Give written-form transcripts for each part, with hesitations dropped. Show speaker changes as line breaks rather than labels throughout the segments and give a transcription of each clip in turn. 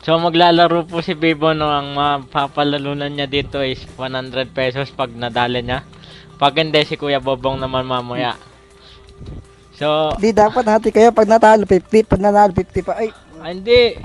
So maglalaro po si Bibo, no, ang mapapalalunan niya dito is 100 pesos pag nadali niya. Pag hindi, si Kuya Bobong naman mamaya. So,
Di dapat hati kayo pag natalo 50, pag nanalo 50 pa. Ay,
hindi.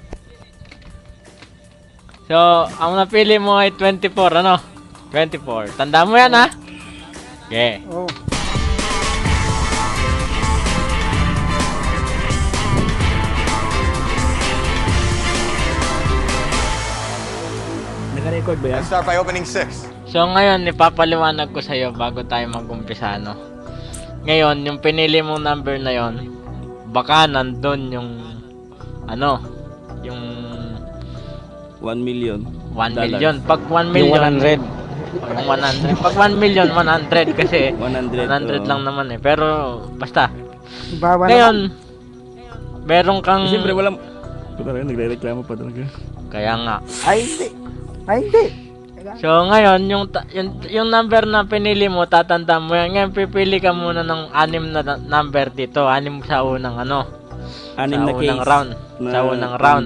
So, ang napili mo ay 24, ano? 24. Tanda mo yan, ha? Okay.
oh.
Naka-record ba yan?
Let's start by opening 6.
So, ngayon, ipapaliwanag ko sa'yo bago tayo mag-umpisa, no? Ngayon, yung pinili mong number na yon, baka nandun yung, ano, yung
1 million.
1 million. Pag 1 million,
Yung 100.
Yung 100. Pag 1 million, 100 kasi 100
100,
lang naman eh. Pero, basta.
Bawa
Ngayon, meron kang...
Siyempre walang... Puta rin, nagre-reklamo pa talaga.
Kaya nga.
Ay, hindi. Ay, hindi.
So, ngayon, yung number na pinili mo, tatanda mo yan. Ngayon, pipili ka muna ng 6 na number dito. 6 sa unang ano.
Anim
Sa
na
unang
case.
round. Sa unang round.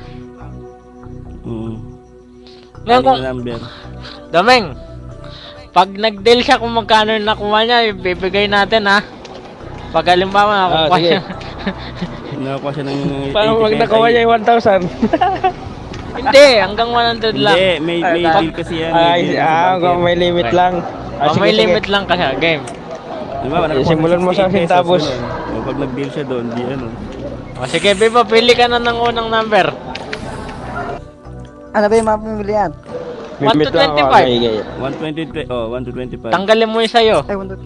Ngayon,
Anim
kung...
na number.
Dameng, pag nag-deal siya kung magkano yung nakuha niya, ibibigay natin, ha? Pag halimbawa, nakukuha
sige.
siya.
Nakakuha siya ng...
Paano
80
pag
pesos
nakuha
ay-
niya yung 1,000?
Hindi, hanggang 100 lang.
Hindi, may deal kasi yan.
Ay,
deal sa banker.
may limit lang.
Oh, may limit lang kasi, game.
Di ba? Nakakuha
Simulan mo sa
68 pesos,
centavos.
ganun. O, pag nag-deal siya doon, di ano.
O sige, Bibo, pili ka na ng unang number.
Ano ba yung mga pamilihan?
1 to 25.
120, 1 to 25.
Tanggalin mo yung sa'yo.
Ay, 1,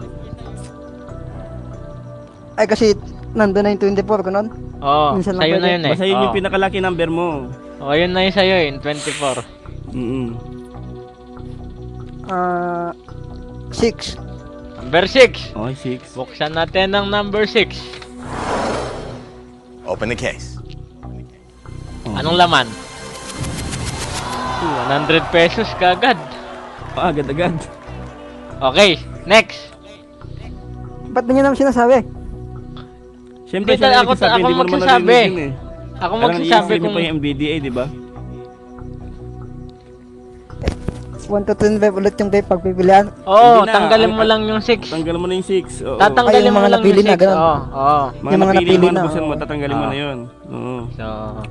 2, Ay, kasi nandun na yung 24 ko nun.
Oo,
Minsan lang
sa'yo na
pwede.
yun eh.
Basta yun yung
Oo.
pinakalaki number mo.
O, yun na yung sa'yo eh, 24.
Ah, 6.
Number 6.
Okay, 6.
Buksan natin ang number 6.
Open the case.
Anong laman? 100 pesos kagad.
Agad-agad.
Okay, next.
Ba't na nyo naman sinasabi?
Siyempre,
Hindi,
siya
ako-
nagsasabi,
ako
hindi mo naman
magsasabi.
narinig yun eh.
Ako
Parang
magsasabi
i-explain mo
kung...
pa yung MBDA, di ba?
1 to 25 ulit yung pagpipilian.
Oo,
Hindi na.
tanggalin mo lang yung 6.
Tanggalin mo na yung 6. Oo.
Tatanggalin
Ay, yung
mo
mga
lang
napili
yung
na,
6.
ganun.
Oo, oo.
Mga
yung mga
napili
napili
mo,
na,
buksan mo,
oo.
tatanggalin mo
Oo.
na yun. Oo.
So,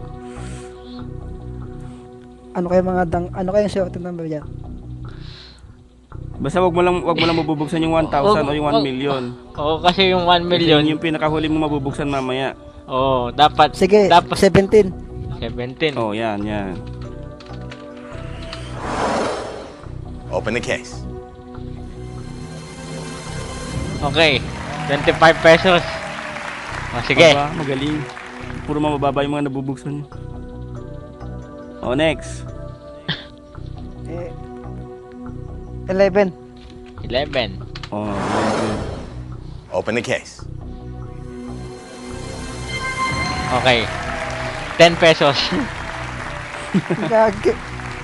Ano kaya mga ano kaya yung short number yan?
Basta wag mo lang mabubuksan yung 1,000 o yung 1 million.
oo, kasi yung 1
Kasi
million,
yun yung pinakahuli mo mabubuksan mamaya.
oo, dapat,
Sige,
dapat
17.
17.
Oh, yan, yan.
Open the case.
Okay, 25 pesos. O, sige.
Aba, magaling. Puro mababa yung mga nabubuksan niyo. Oh, next.
11.
11.
Oh, yan.
Open the case.
Okay. 10 pesos.
Gagi.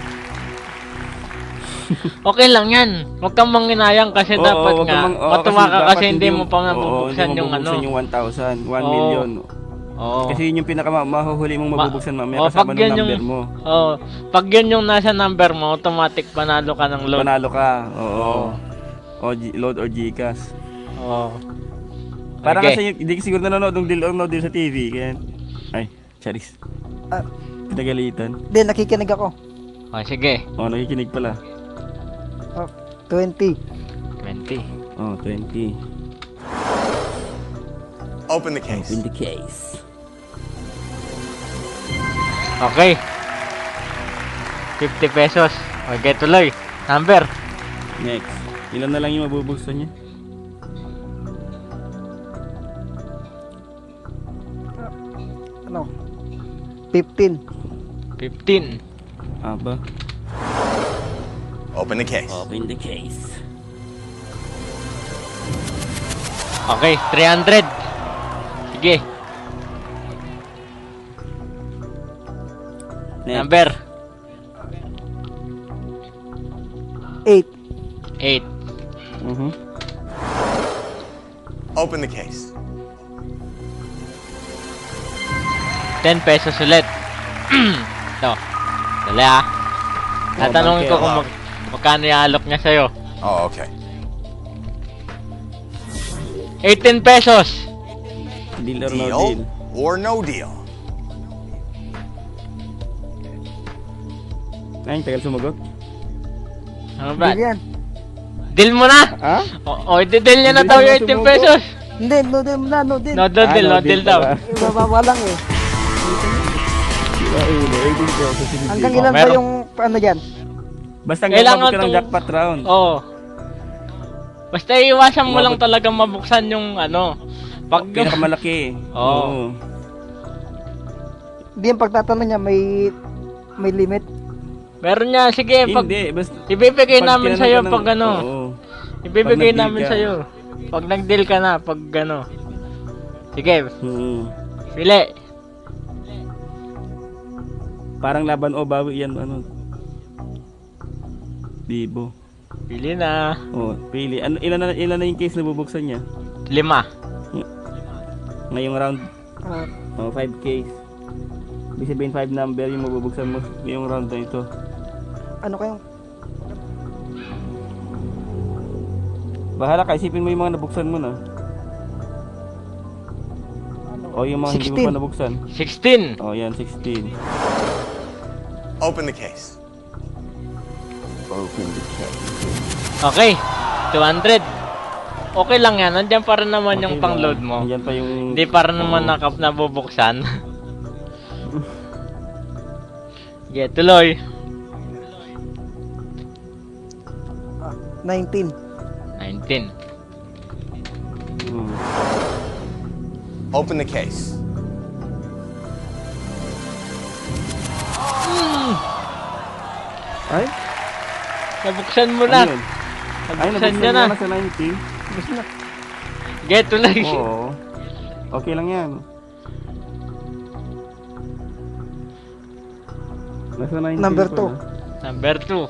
Okay lang yan. Huwag kang manginayang kasi
Oo,
dapat
wag
nga.
kang
Matuwa ka
dapat
kasi hindi mo pa
oo,
mabubuksan
hindi
yung
mo
ano.
mabubuksan yung 1,000, 1
Oo.
million.
Oo.
Kasi yun yung pinaka-mahuhuli mong mabubuksan mamaya
Oo,
kasama
pag
ng
yun
number
yung-
mo.
Oh, pag yun yung nasa number mo, automatic panalo ka ng load.
Panalo ka. Oo.
Oo.
O load or Gcash.
Oo.
Parang
Okay.
kasi hindi ka siguro nanonood ng deal or no deal sa TV. Kaya... Ay, charis.
Ah,
Pinagalitan.
Di, nakikinig ako.
Oh, sige.
Oh, nakikinig pala.
Oh, 20.
20.
Oh, 20.
Open the case.
In the case.
Okay. 50 pesos. Okay, tuloy. Number.
Next. Ilan na lang yung mabubuksan niya?
Ano? 15.
15.
Aba.
Open the case.
Open the case.
Okay, 300. Sige.
Next.
Number.
8.
8.
Open the case.
10 pesos ulit. Ito. Dali ah. Tatanungin ko kung
Hello.
magkano yung alok niya sa'yo.
Oh, okay.
18 pesos.
Deal or no deal?
Deal or no deal?
Ay, tagal sumagot.
Ano ba?
Deal yan.
Deal mo na!
Ha?
O, i-deal niya na
Hindi
daw
na
yung 18
sumuko.
pesos.
Hindi, no deal na, no deal.
No deal, no deal daw.
pala.
Ibababa lang eh.
Sira ulo, 18 pesos. Sige,
Hanggang
sige.
ilan ba
meron.
yung ano dyan?
Basta
Kailangan
umabot ka ng
tong-
jackpot round.
Oo. Basta iiwasan mo lang
Umabot.
talaga mabuksan yung ano. Pag
Pinakamalaki.
Oo.
Hindi yung pagtatanong niya, may limit.
meron niya, sige, pag
Hindi, basta...
ibibigay
pag
namin
tinanong
sa'yo
ka ng-
pag ano.
Oo.
Ibibigay
Pag nag-deal
namin
ka.
sa'yo. Pag nag-deal ka na, pag ano. Sige, pili.
Parang laban o bawi yan, ano. Libo.
Pili na.
Oh, pili. Ano, ilan na yung case na bubuksan niya?
5.
Ngayong round,
Ah,
5 case. Ibig sabihin 5 number yung mabubuksan mo ngayong round na ito.
ano kayong
Bahala ka, isipin mo yung mga nabuksan mo na. O yung mga hindi mo
16.
pa nabuksan.
16.
O yan, 16.
Open the case.
Okay. 200. Okay lang yan. Nandiyan para naman yung
Okay
pang-load
lang.
mo.
Yan pa yung...
Hindi para naman
Oo.
nabubuksan. Sige, tuloy.
19.
19.
Hmm.
Open the case.
Ay?
Nabuksan mo
Ano
na.
yun? Ay,
Nabuksan
nabuksan
niya na.
na sa 90.
Sige, tuloy.
Oo. Okay lang yan. Nasa 90
Number
pa
2.
na.
Number 2.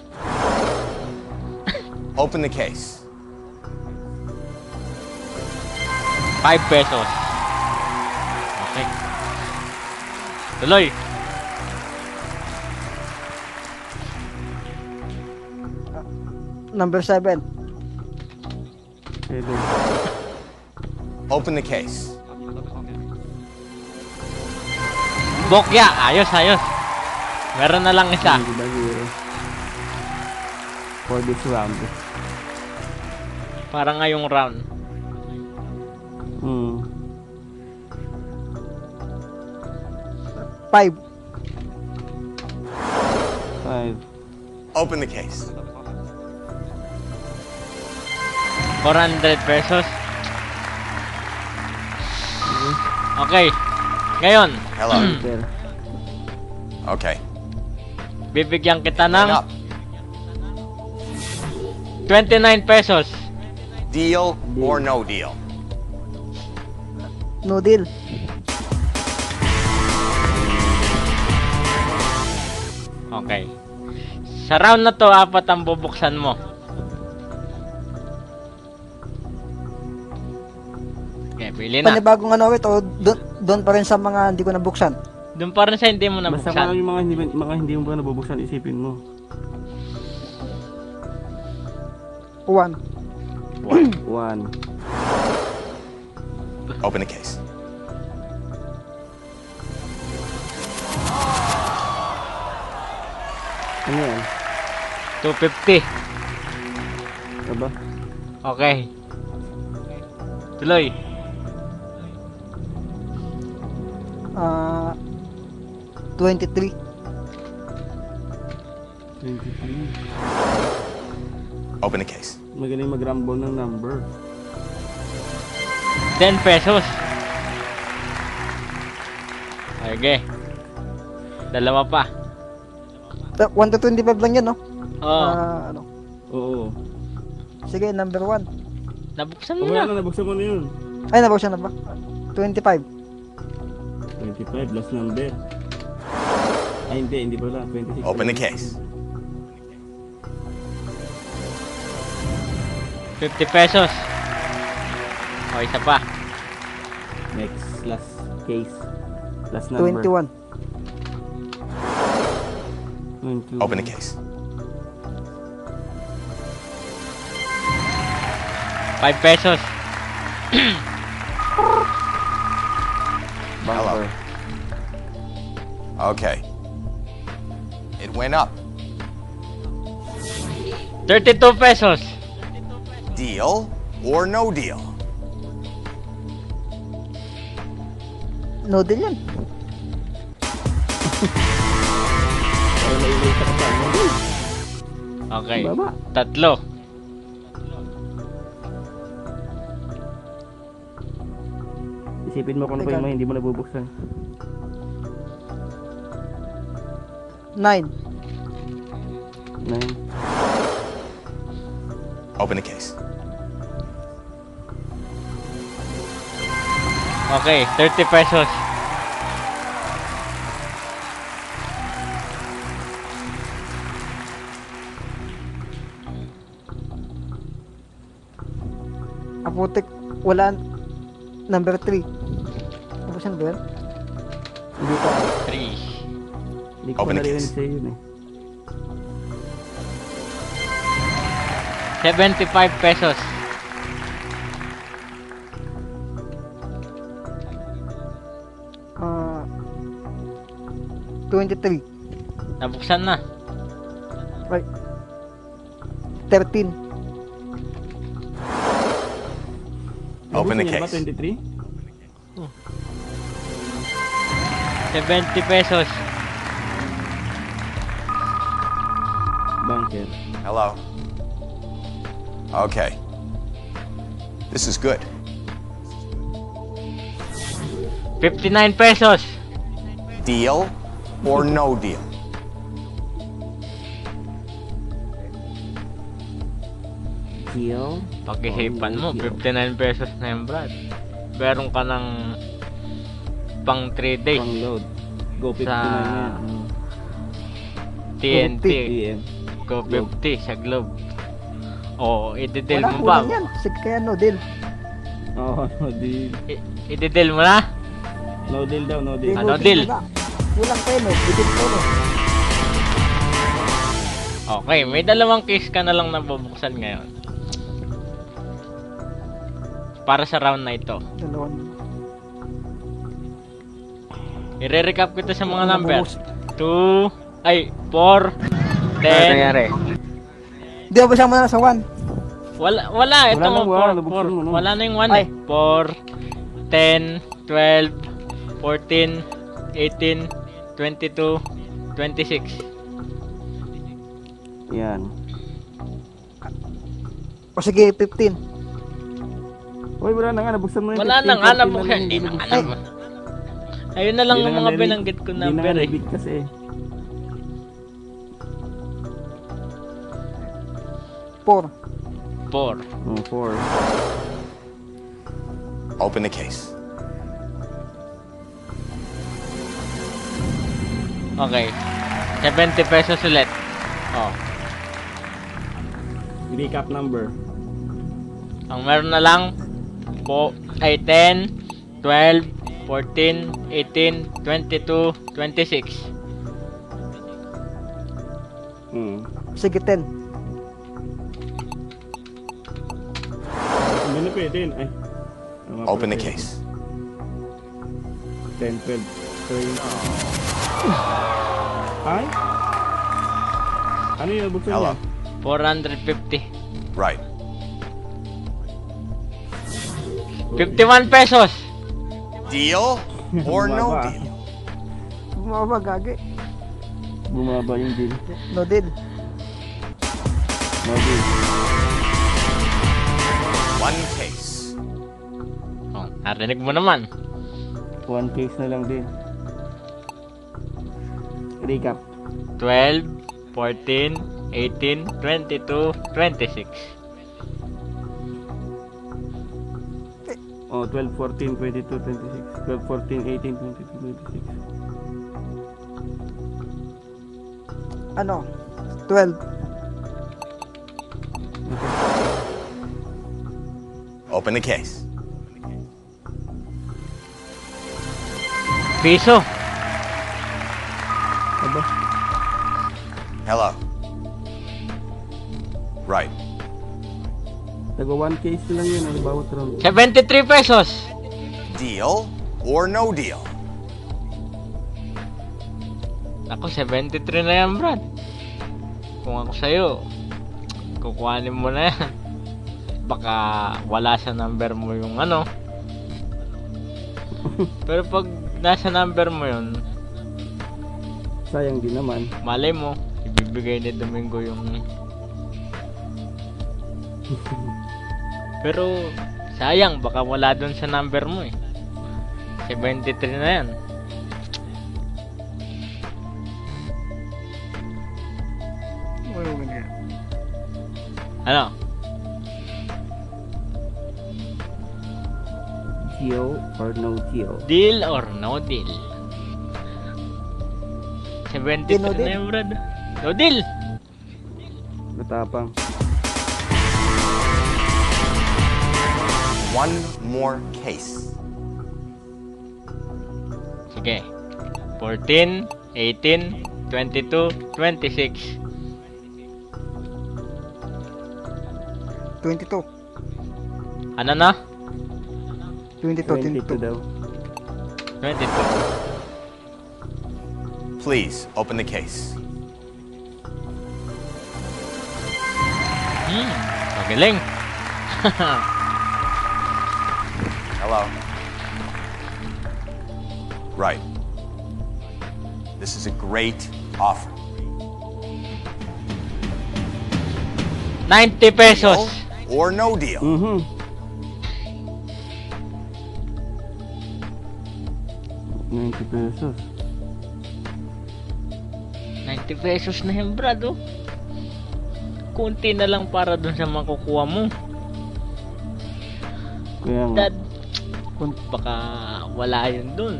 Open the case.
5 pesos. Okay. Tuloy.
Number 7.
Pwede.
Open the case.
Bokya. Ayos, ayos. Meron na lang isa.
Hindi ba zero? For this round.
Para ngayong round.
Hmm.
5.
5.
Open the case.
400 pesos. Okay. Ngayon,
Hello.
Enter.
Okay.
bibigyan kita
Line
ng
up.
29 pesos.
Deal or no deal?
No deal.
Okay. Sa round na to, 4 ang bubuksan mo. Okay, pili na.
Panibagong ano ulit o doon pa rin sa mga hindi ko nabuksan.
Doon pa rin sa hindi mo
Basta
nabuksan.
yung mga hindi mo pa nabubuksan, isipin mo.
1.
1.
Open the case.
Ano yan?
250.
Aba?
Okay. Tuloy.
Ah, 23.
23.
Open the case.
Magaling mag-rumble ng number.
10 pesos. Okay. Dalawa pa.
1 to 25 lang yan, no?
Oo.
Ano?
Oo.
Sige, number 1.
Nabuksan mo
Wala
na.
na, nabuksan mo na yun.
Ay, nabuksan na ba? 25.
25, last number. Ay, hindi pala. 26.
Open the case.
50 pesos. O, isa pa.
Next, last case. Last number.
21.
Open the case.
5 pesos.
Bumper.
Okay. It went up.
32 pesos.
Deal or no deal?
No deal yan.
Ay, may ka pa.
Okay.
Baba.
Tatlo.
Isipin mo kung ano pa yung mga hindi mo nabubuksan.
9.
9.
Open the case.
Okay, 30 pesos.
Apotek, wala. Number 3. Tapos yan ba yan?
Hindi pa.
3.
Hindi ko pa
Open the
narinig
case.
sa'yo yun eh.
75 pesos.
Ah, 23.
Nabuksan na.
Right. 13.
Open the
Nabuksan niya ba,
case.
23?
70 pesos.
Bunker.
Hello. Okay. This is good.
59 pesos.
Deal or no deal?
Deal.
Pag-ihipan mo, 59 pesos na yung Brad. Meron ka ng pang 3 days.
Pang load. Go 59
Sa-
yan.
TNT.
PM.
Go 50 sa Globe. O, ididil
Wala,
mo ba?
kulang yan. Sige, kaya no deal.
Oo, no deal.
Ididil mo na?
No deal daw, no deal.
Ano deal?
wala. Kulang pa yun, no. Bitin ko, no.
Okay, may dalawang case ka na lang nabubuksan ngayon. Para sa round na ito.
Dalawang.
I-recap kita sa mga
Ano
number.
nabubus-
2, ay, 4, 10.
Hindi, abasya mo na sa 1.
Wala, ito
Wala
mo,
na,
4,
nabuksan mo, no?
wala na yung 1
Ay.
eh. 4, 10, 12, 14, 18, 22, 26.
Yan.
O sige, 15.
Uy, wala na nga, nabuksan mo na yung
Wala
15,
na nga,
14
nabuksan.
lang,
Hindi na
nabuksan.
nga naman. Ayun na lang
Hindi
yung
na
mga
nga narinig-
binanggit ko
Hindi na
number
nga
eh.
nabig kasi.
4.
4.
4.
Open the case.
Okay. 70 pesos ulit. Oh.
Recap number.
Ang meron na lang po ay 10, 12, 14, 18, 22, 26.
Sige, 10.
Hindi na pwede yun. Ay. Ano nga
Open
pala
the
pwede?
case.
10, 12, 13. Ay? Ano yung nabuksan
Hello.
niya?
450.
Right.
51 pesos.
Deal or no
Bumaba.
deal?
Bumaba, gagi.
Bumaba yung deal.
No deal.
No deal.
One case.
Oh, narinig mo naman.
One case na lang din. Recap.
12, 14, 18, 22, 26.
Oh, 12, 14, 22, 26. 12, 14, 18, 22, 26.
Ano? 12.
Open the case.
Piso.
Aba.
Hello. Right.
Taga 1 case lang yun, ano, bawat round.
73 pesos.
Deal or no deal?
Ako, 73 na yan, Brad. Kung ako sa'yo, kukuhanin mo na yan. Baka wala sa number mo yung ano. Pero pag nasa number mo yun,
Sayang din naman.
malay mo, ibibigay ni Domingo yung... Pero, sayang, baka wala dun sa number mo eh. 73 na yan. Ano?
Deal or no deal?
Deal or no deal? 73
No
na
deal.
yan, Brad. No deal!
Matapang.
One more case.
Sige. 14, 18, 22, 26.
22.
Ano na?
22.
22 daw.
22.
Please open the case.
Magaling.
Hello. Right. This is a great offer.
90 pesos.
Deal or no deal?
Mhm. $90.
90 pesos na yan, Brad, oh. Kunti na lang para dun sa makukuha mo.
Kaya nga.
Dad, baka wala yun dun.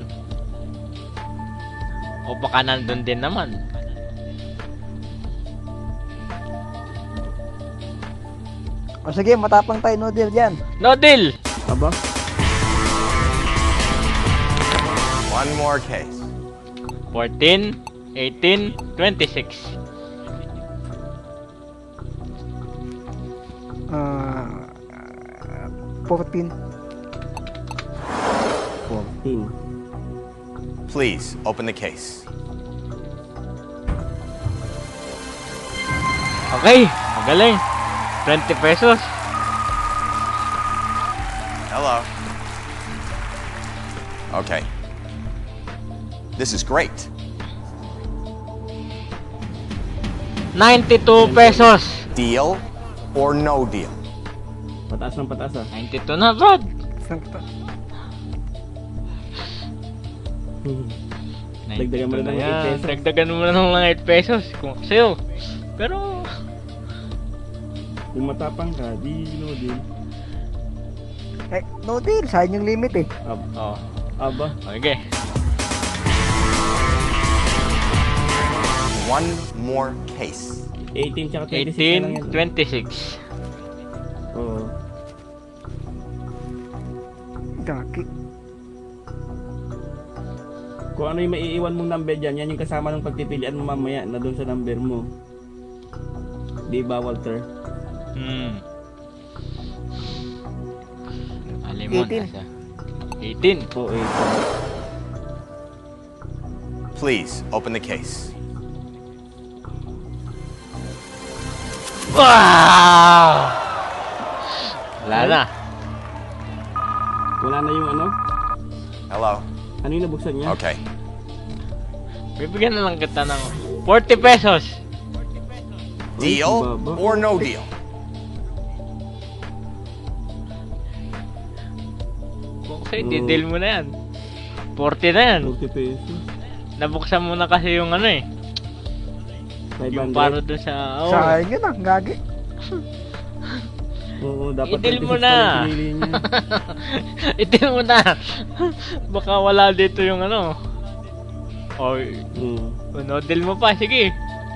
O baka nandun din naman.
O sige, matapang tayo, no deal dyan.
No deal!
Aba?
One more case.
14, 18, 26.
Ah, 14.
14.
Please open the case.
Okay, magaling. 20 pesos.
Hello. Okay. This is great.
92 pesos.
Deal or no deal?
Pataas ng pataas ah.
92 na, Brad.
Saan pa?
Dagdagan mo na ng 8
yan.
pesos.
Dagdagan mo na ng 8 pesos. Kung ako sa'yo. Pero,
Kung matapang ka, di no deal.
Eh, no deal. Sayang yung limit eh.
oh,
Aba?
okay.
One more case.
18 tsaka 26 na lang
18,
yan.
26.
Oo.
Gaki.
Kung ano yung maiiwan mong number dyan, yan yung kasama ng pagpipilian mo mamaya na doon sa number mo. Di ba, Walter?
Alim mo,
18.
nasa 18.
Oo, 18.
Please open the case.
Wow! Wala na.
Wala na yung ano?
Hello.
Ano yung nabuksan niya?
Okay.
Bibigyan na lang kita ng 40 pesos.
Deal
baba.
or no deal?
Kung sa'yo, di-deal mo na yan. 40 na yan.
40 pesos.
Nabuksan mo na kasi yung ano eh.
500.
Yung para doon sa... Oh.
Sayang yun ah. Gagi.
Oo, dapat
I-deal
26
mo
pa
na.
rin pinili niya.
I-deal mo na. Baka wala dito yung ano. Oy, no deal mo pa. Sige.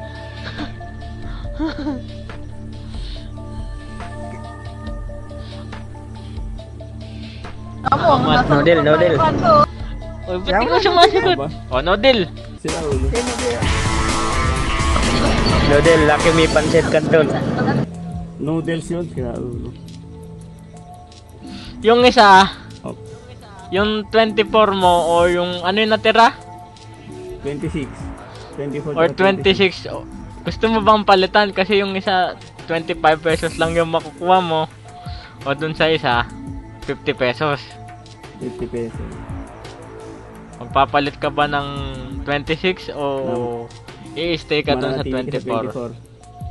No deal, no deal.
Oy, ba't di ko sumasagot?
Ba?
Oh, no deal.
Sila ulo.
Eh, no deal.
Noodle, laki may pancit canton.
Noodles yun, kaya ulo.
Yung isa,
Oh,
yung 24 mo o yung ano yung natira?
26. 24
Or
tsaka
26. Gusto mo bang palitan? Kasi yung isa, 25 pesos lang yung makukuha mo. O dun sa isa, 50 pesos.
50 pesos.
Magpapalit ka ba ng 26 o i-stay ka dun sa
Mananatili ka
24?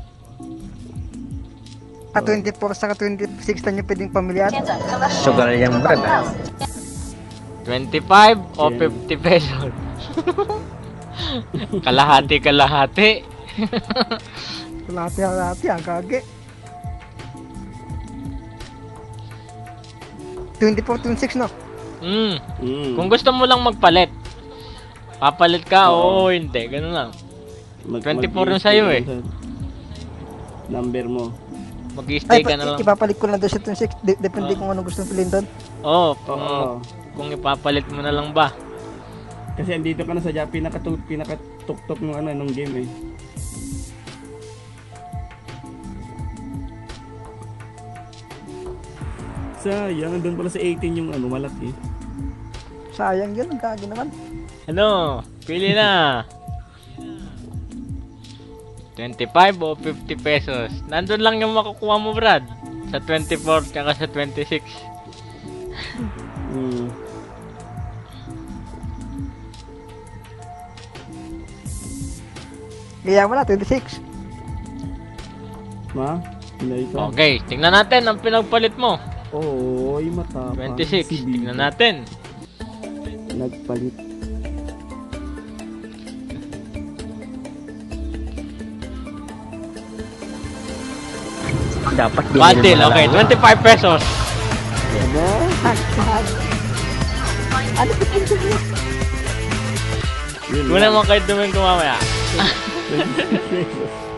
At 24 saka 26 na nyo pwedeng pamilyan.
Sugar yung brad.
25 o 50 pesos? Kalahati.
Kalahati, ang kage. 24, 26 no?
Kung gusto mo lang magpalit, papalit ka o hindi, ganun lang. 24 yung sa'yo eh.
Number mo.
Mag-stay
Ay,
ka na lang.
ipapalit ko lang doon sa 26. Depende kung anong gusto pilhin doon.
Oo,
Oo.
kung ipapalit mo na lang ba.
Kasi andito ka na sa pinakatuktok ng ano nung game eh. Sayang, doon pala sa 18 yung ano, malaki.
Sayang yun, ang kage naman.
Ano? Pili na. 25 o 50 pesos. Nandun lang yung makukuha mo, Brad. Sa 24 kaka sa 26.
Hmm.
Kaya mo na, 26.
Ma? Hindi ito.
Okay, tingnan natin ang pinagpalit mo.
Oo, ay matapang.
26.
Si Bibi.
Tingnan natin.
Nagpalit.
Dapat
Bundle, okay. 25 pesos.
Ano? Yun
Muna mo kayo dumin ko mamaya.
26 pesos.